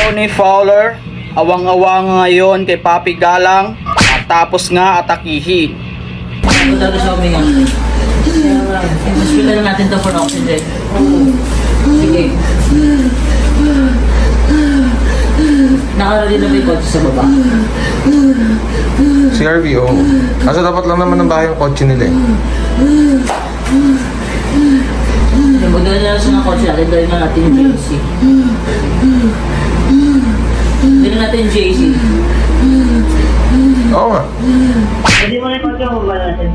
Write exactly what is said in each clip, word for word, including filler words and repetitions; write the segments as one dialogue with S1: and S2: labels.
S1: Tony Fowler, awang-awa ngayon kay Papi Galang at tapos nga atakihin.
S2: Ito talaga siya uminga. Hospital na natin to for oxygen. Sige. Nakarali na ba yung kotse sa baba?
S3: C R V O. Kaso dapat lang naman ng bahay yung kotse nila eh.
S2: Magdala na lang siya ng kotse natin, dahil na natin yung J C. Dali natin yung J C.
S3: Oo nga.
S2: Hindi mo na yung kotse mo ba natin?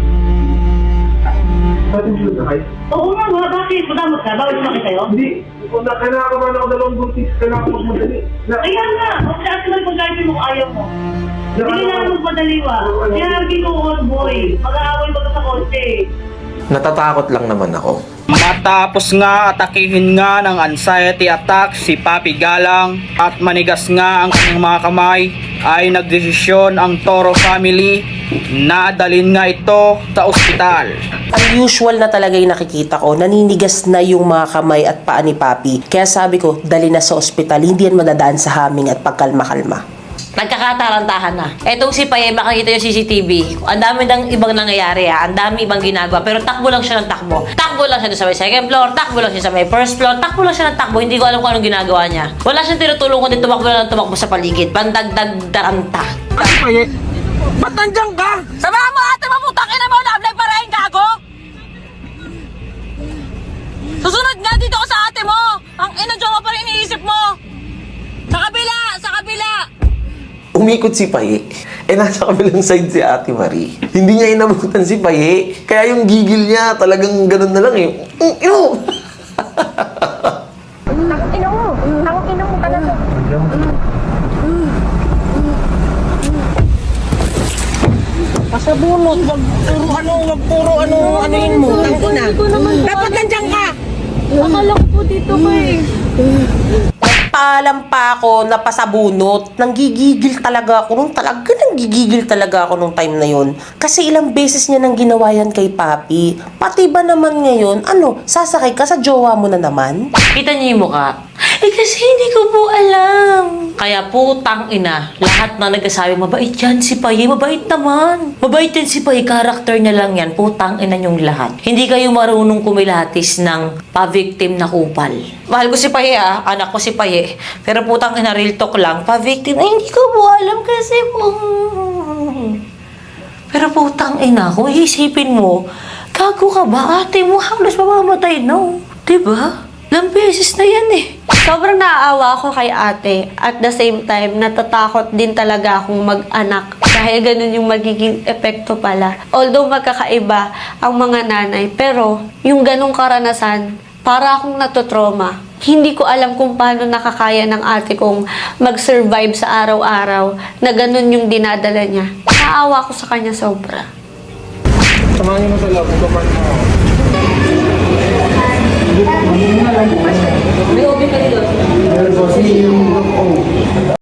S4: Oo nga nga, bakit? Madamot ka? Bawal sumakit sa'yo?
S5: Hindi. Kung nakakaman ako dalawang buntis, kailangan ko magmadali. Na,
S4: Kaya nga, o sa atin lang pagkasin mo ayaw mo. Hindi na magmadali wa. Kaya sabi ko, old boy, mag-aaway ba ka sa kotse?
S3: Natatakot lang naman ako.
S1: Matapos nga atakihin nga ng anxiety attack si Papi Galang at manigas nga ang kanyang mga kamay, ay nagdesisyon ang Toro family na dalhin nga ito sa ospital.
S6: Ang usual na talaga yung nakikita ko, naninigas na yung mga kamay at paa ni Papi. Kaya sabi ko, dali na sa ospital, hindi yan madadaan sa haming at pagkalma-kalma.
S7: Nagkakatarantahan na. Etong si Paye, makikita yung C C T V. Ang dami ng ibang nangyayari ha. Ang dami ibang ginagawa. Pero takbo lang siya ng takbo. Takbo lang siya doon sa may second floor. Takbo lang siya sa may first floor. Takbo lang siya ng takbo. Hindi ko alam kung anong ginagawa niya. Wala siyang tinutulong kundi tumakbo lang ng tumakbo sa paligid. Pandagdag daranta.
S8: Ano pa eh? Ba't nandiyan ka? Samahan mo ate mo, putang ina mo, love pa rin, gago! Susunod nga dito ko sa ate mo! Ang ina jowa pa rin iniisip mo! Sa kabila! Sa kabila!
S3: Umikot si Paye. Eh, nasa kabilang side si Ate Marie. Hindi niya inabutan si Paye. Kaya yung gigil niya, talagang ganun na lang eh. Mm, ino!
S9: Ina mo! Ang ina mo talaga!
S8: Pasabunot, wag puro ano, wag puro ano, anuin mo, ang ina. Dapat nandiyan ka!
S9: Akala ko po dito ka eh.
S6: Nagpaalam pa ako na pasabunot. Nanggigigil talaga ako nung talaga nanggigigil talaga ako nung time na yon. Kasi ilang beses niya nang ginawa yan kay Papi. Pati ba naman ngayon, ano, sasakay ka sa jowa mo na naman?
S7: Kita niyo yung mukha? Eh kasi hindi ko po alam. Kaya putang ina, lahat na nagsasabi, mabait yan si Paye, mabait naman. Mabait yan si Paye, karakter niya lang yan, putang ina yung lahat. Hindi kayo marunong kumilatis ng pa-victim na kupal. Mahal ko si Paye ah, anak ko si Paye. Pero putang ina, real talk lang, pa-victim, ay hindi ko po alam kasi po. Pero putang ina, kung iisipin mo, gago ka ba? Ate mo halos mamamatay, no? Diba? Ilang beses na yan eh.
S9: Sobrang naaawa ako kay ate. At the same time, natatakot din talaga akong mag-anak. Dahil ganun yung magiging epekto pala. Although magkakaiba ang mga nanay, pero yung ganung karanasan, para akong natotrauma. Hindi ko alam kung paano nakakaya ng ate kong mag-survive sa araw-araw na ganun yung dinadala niya. Naawa ko sa kanya sobra.
S5: samahan niyo mo sa love, kumain mo.
S2: May open ka dito.
S5: Pero kasi yung